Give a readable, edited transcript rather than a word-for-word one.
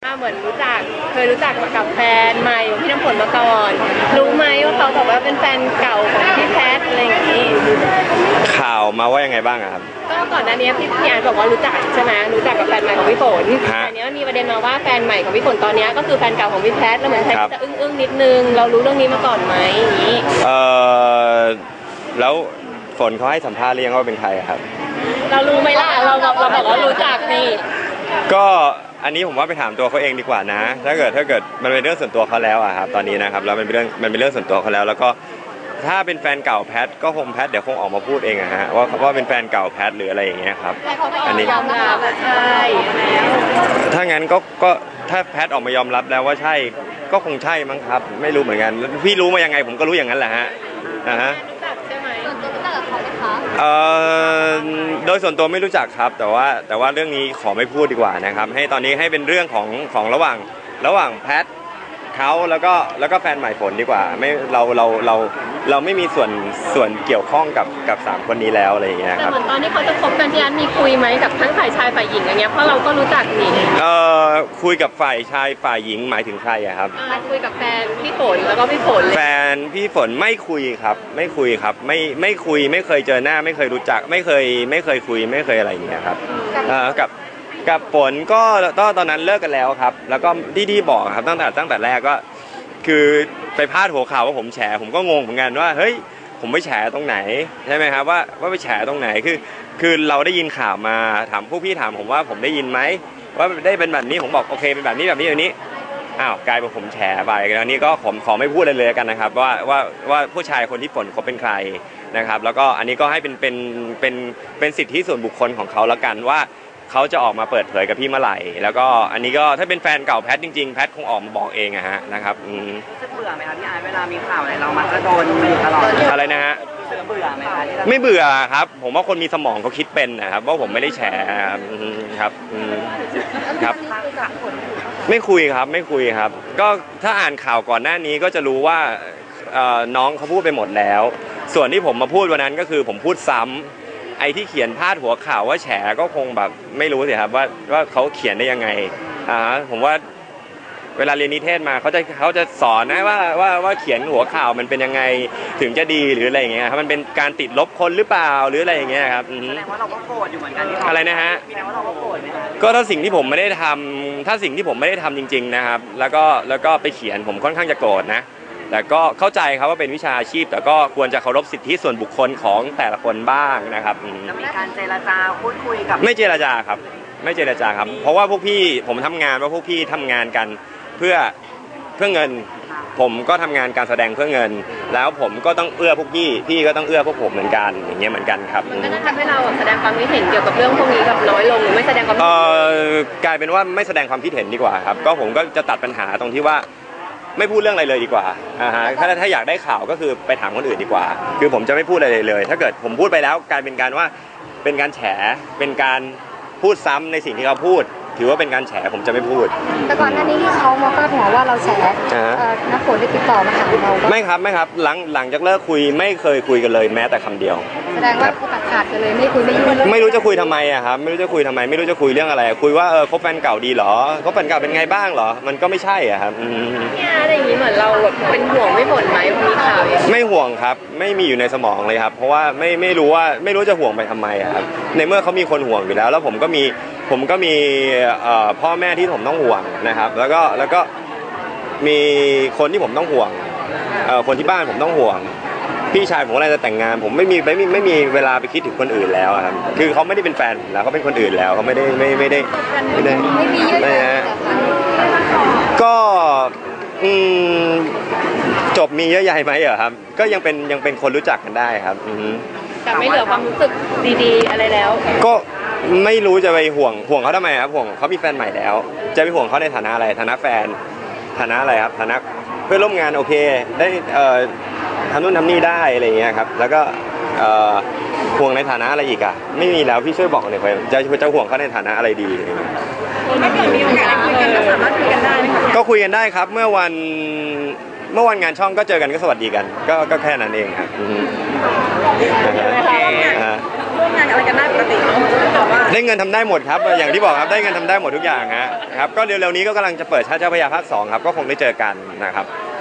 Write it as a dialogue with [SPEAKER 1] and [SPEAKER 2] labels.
[SPEAKER 1] เหมือนเคยรู้จักกับแฟนใหม่ของพี่น้ำฝนมาก่อนรู้ไหมว่าเขาบอกว่าเป็นแฟนเก่าของพี่แพทอะไรอย่างนี้
[SPEAKER 2] ข่าวมาว่ายังไงบ้างครับ
[SPEAKER 1] ก็ก่อนหน้านี้พี่อาร์ตบอกว่ารู้จักใช่ไหมรู้จักกับแฟนใหม่ของพี่ฝนแต่เนี้ยมีประเด็นมาว่าแฟนใหม่ของพี่ฝนตอนนี้ก็คือแฟนเก่าของพี่แพทแล้วเหมือนแพทจะอึ้งนิดนึงเรารู้เรื่องนี้มาก่อนไหมอย่างนี้
[SPEAKER 2] แล้วฝนเขาให้สัมภาษณ์เรียงว่าเป็นใครครับ
[SPEAKER 1] เรารู้ไหมล่ะเราบอกว่ารู้จักนี่
[SPEAKER 2] ก็อันนี้ผมว่าไปถามตัวเขาเองดีกว่านะถ้าเกิดมันเป็นเรื่องส่วนตัวเขาแล้วอะครับตอนนี้นะครับแล้วมันเป็นเรื่องส่วนตัวเขาแล้วก็ถ้าเป็นแฟนเก่าแพทก็คงแพทเดี๋ยวคงออกมาพูดเองอะฮะว่าเป็นแฟนเก่าแพทหรืออะไรอย่างเงี้ยครับ
[SPEAKER 1] อันนี้ยอมรับใช่
[SPEAKER 2] ถ้างั้นก็ถ้าแพทออกมายอมรับแล้วว่าใช่ก็คงใช่มั้งครับไม่รู้เหมือนกันพี่รู้มายังไงผมก็รู้อย่างนั้นแหละฮะ
[SPEAKER 1] รู้จักใช่ไหมส่วนตัวรู้จักกับเขาไหมคะ
[SPEAKER 2] โดยส่วนตัวไม่รู้จักครับแต่ว่าเรื่องนี้ขอไม่พูดดีกว่านะครับให้ตอนนี้ให้เป็นเรื่องของระหว่างแพทเขาแล้วก็แฟนใหม่ฝนดีกว่าไม่เราไม่มีส่วนเกี่ยวข้องกับ3คนนี้แล้วอะไรอย่างเงี้ยครับ
[SPEAKER 1] แต่เหมือนตอนที่เขาจะคบกันที่อันมีคุยไหมกับทั้งฝ่ายชายฝ่ายหญิงอย่างเงี้ยเพราะเราก็รู้จักนี่
[SPEAKER 2] คุยกับฝ่ายชายฝ่ายหญิงหมายถึงใครอะครับ
[SPEAKER 1] คุยกับแฟนพี่ฝนแล้วก็พี่ฝน
[SPEAKER 2] แฟนพี่ฝนไม่คุยครับไม่คุยครับไม่คุยไม่เคยเจอหน้าไม่เคยรู้จักไม่เคยคุยไม่เคยอะไรอย่างเงี้ยครับกับฝนก็ตอนนั้นเลิกกันแล้วครับแล้วก็ที่บอกครับตั้งแต่แรกก็คือไปพาดหัวข่าวว่าผมแฉผมก็งงเหมือนกันว่าเฮ้ยผมไปแฉตรงไหนใช่ไหมครับว่าไปแฉตรงไหนคือเราได้ยินข่าวมาถามพวกพี่ถามผมว่าผมได้ยินไหมว่าได้เป็นแบบนี้ผมบอกโอเคเป็นแบบนี้อ้าวกลายเป็นผมแฉไปแล้วนี้ก็ขอไม่พูดเลยกันนะครับว่าผู้ชายคนที่ฝนเขาเป็นใครนะครับแล้วก็อันนี้ก็ให้เป็นสิทธิส่วนบุคคลของเขาแล้วกันว่าเขาจะออกมาเปิดเผยกับพี่เมื่อไหร่แล้วก็อันนี้ก็ถ้าเป็นแฟนเก่าแพทจริงๆแพทคงออกมาบอกเองอะฮะนะครับ
[SPEAKER 3] จะเบื่อไหมคะพี่อาร์ตเวลามีข่าวอะไรเรามักจะโดนตลอด
[SPEAKER 2] อะไรนะฮะ
[SPEAKER 3] เบื่อไหมคะ
[SPEAKER 2] ไม่เบื่อครับผมว่าคนมีสมองเขาคิดเป็นนะครับว่าผมไม่ได้แฉครับไม่คุยครับก็ถ้าอ่านข่าวก่อนหน้านี้ก็จะรู้ว่าน้องเขาพูดไปหมดแล้วส่วนที่ผมมาพูดวันนั้นก็คือผมพูดซ้ำไอ้ที่เขียนพาดหัวข่าวว่าแฉก็คงแบบไม่รู้สิครับว่าเขาเขียนได้ยังไงผมว่าเวลาเรียนนิเทศมาเขาจะสอนนะว่าเขียนหัวข่าวมันเป็นยังไงถึงจะดีหรืออะไรอย่างเงี้ยครับมันเป็นการติดลบคนหรือเปล่าหรืออะไรอย่างเงี้ยครับ
[SPEAKER 3] แสดงว่าเราก็โกรธอยู่เหมือนกัน
[SPEAKER 2] อะไรนะฮะ
[SPEAKER 3] แสดงว่าเราก็โกรธไหมคะ
[SPEAKER 2] ก็ถ้าสิ่งที่ผมไม่ได้ทำจริงๆนะครับแล้วก็ไปเขียนผมค่อนข้างจะโกรธนะแต่ก็เข้าใจครับว่าเป็นวิชาอาชีพแต่ก็ควรจะเคารพสิทธิส่วนบุคคลของแต่ละคนบ้างนะครับ
[SPEAKER 3] จะมีการเจรจาพูดคุยกับ
[SPEAKER 2] ไม่เจรจาครับเพราะว่าพวกพี่ผมทำงานว่าพวกพี่ทำงานกันเพื่อเงินผมก็ทำงานการแสดงเพื่อเงินแล้วผมก็ต้องเอื้อพวกพี่ก็ต้องเอื้อพวกผมเหมือนกันอย่างเงี้ยเหมือนกันครับ
[SPEAKER 1] มันก็จะทำให้เราแสดงความคิดเห็นเกี่ยวกับเรื่องพวกนี้แบบน้อยลงหรือไม่แสดงความคิดเห็น
[SPEAKER 2] กลายเป็นว่าไม่แสดงความคิดเห็นดีกว่าครับก็ผมก็จะตัดปัญหาตรงที่ว่าไม่พูดเรื่องอะไรเลยดีกว่าถ้าอยากได้ข่าวก็คือไปถามคนอื่นดีกว่าคือผมจะไม่พูดอะไรเลยถ้าเกิดผมพูดไปแล้วกลายเป็นการว่าเป็นการแฉเป็นการพูดซ้ำในสิ่งที่เขาพูดถือว่าเป็นการแฉผมจะไม่พูด
[SPEAKER 1] แต่ก่อนหน้านี้ที่เขามาพาดหัวว่าเราแฉน้ำฝนได้ติดต่อมาหาเรา
[SPEAKER 2] ไม่ครับหลังจากเลิกคุยไม่เคยคุยกันเลยแม้แต่คำเดียว
[SPEAKER 1] แสดงว่าเขาตัดขาดกันเลยไม่คุยไม่ยุ่ง
[SPEAKER 2] ไม่รู้จะคุยทำไมอะครับไม่รู้จะคุยทำไมไม่รู้จะคุยเรื่องอะไรคุยว่าคบแฟนเก่าดีหรอคบแฟนเก่าเป็นไงบ้างหรอมันก็ไม่ใช่อะครับ
[SPEAKER 1] เนี่ยอะไรอย่างนี้เหมือนเราแบบเป็นห่วงไม่บ่นไหมมีข่าว
[SPEAKER 2] ไม่ห่วงครับไม่มีอยู่ในสมองเลยครับเพราะว่าไม่รู้จะห่วงไปทำไมอะครับในเมื่อเขามีคนห่วงอยู่แล้วผมก็มีพ่อแม่ที่ผมต้องห่วงนะครับแล้วก็มีคนที่ผมต้องห่วงคนที่บ้านผมต้องห่วงพี่ชายผมอะไรจะแต่งงานผมไม่มีเวลาไปคิดถึงคนอื่นแล้วครับคือเขาไม่ได้เป็นแฟนผมแล้วเขาเป็นคนอื่นแล้วเขาไม่ได้ก็จบมีเยอะใหญ่ไหมเหรอครับก็ยังเป็นคนรู้จักกันได้ครับ
[SPEAKER 1] แต่ไม่เหลือความรู้สึกดีๆอะไรแล้ว
[SPEAKER 2] ก็ไม่รู้จะไปห่วงเขาทำไมครับห่วงเขามีแฟนใหม่แล้วจะไปห่วงเขาในฐานะอะไรฐานะแฟนฐานะอะไรครับฐานะเพื่อนร่วมงานโอเคได้ทำนู่นทำนี่ได้อะไรอย่างเงี้ยครับแล้วก็ห่วงในฐานะอะไรอีกอ่ะไม่มีแล้วพี่ช่วยบอกหน่อยจะห่วงเขาในฐานะอะไรดี
[SPEAKER 1] ถ้าเกิดมีโอกาสได้คุยกันก็สามารถคุยกันได้
[SPEAKER 2] ก็คุยกันได้ครับเมื่อวันงานช่องก็เจอกันก็สวัสดีกันก็แค่นั้นเองครับ
[SPEAKER 3] ร่วมงานอะไรกันได้ปกติเนาะแต่ว่า
[SPEAKER 2] ได้เงินทำได้หมดครับอย่างที่บอกครับได้เงินทำได้หมดทุกอย่างฮะครับก็เร็วๆนี้ก็กำลังจะเปิดชาติเจ้าพระยาภาค 2ครับก็คงได้เจอกันนะครับ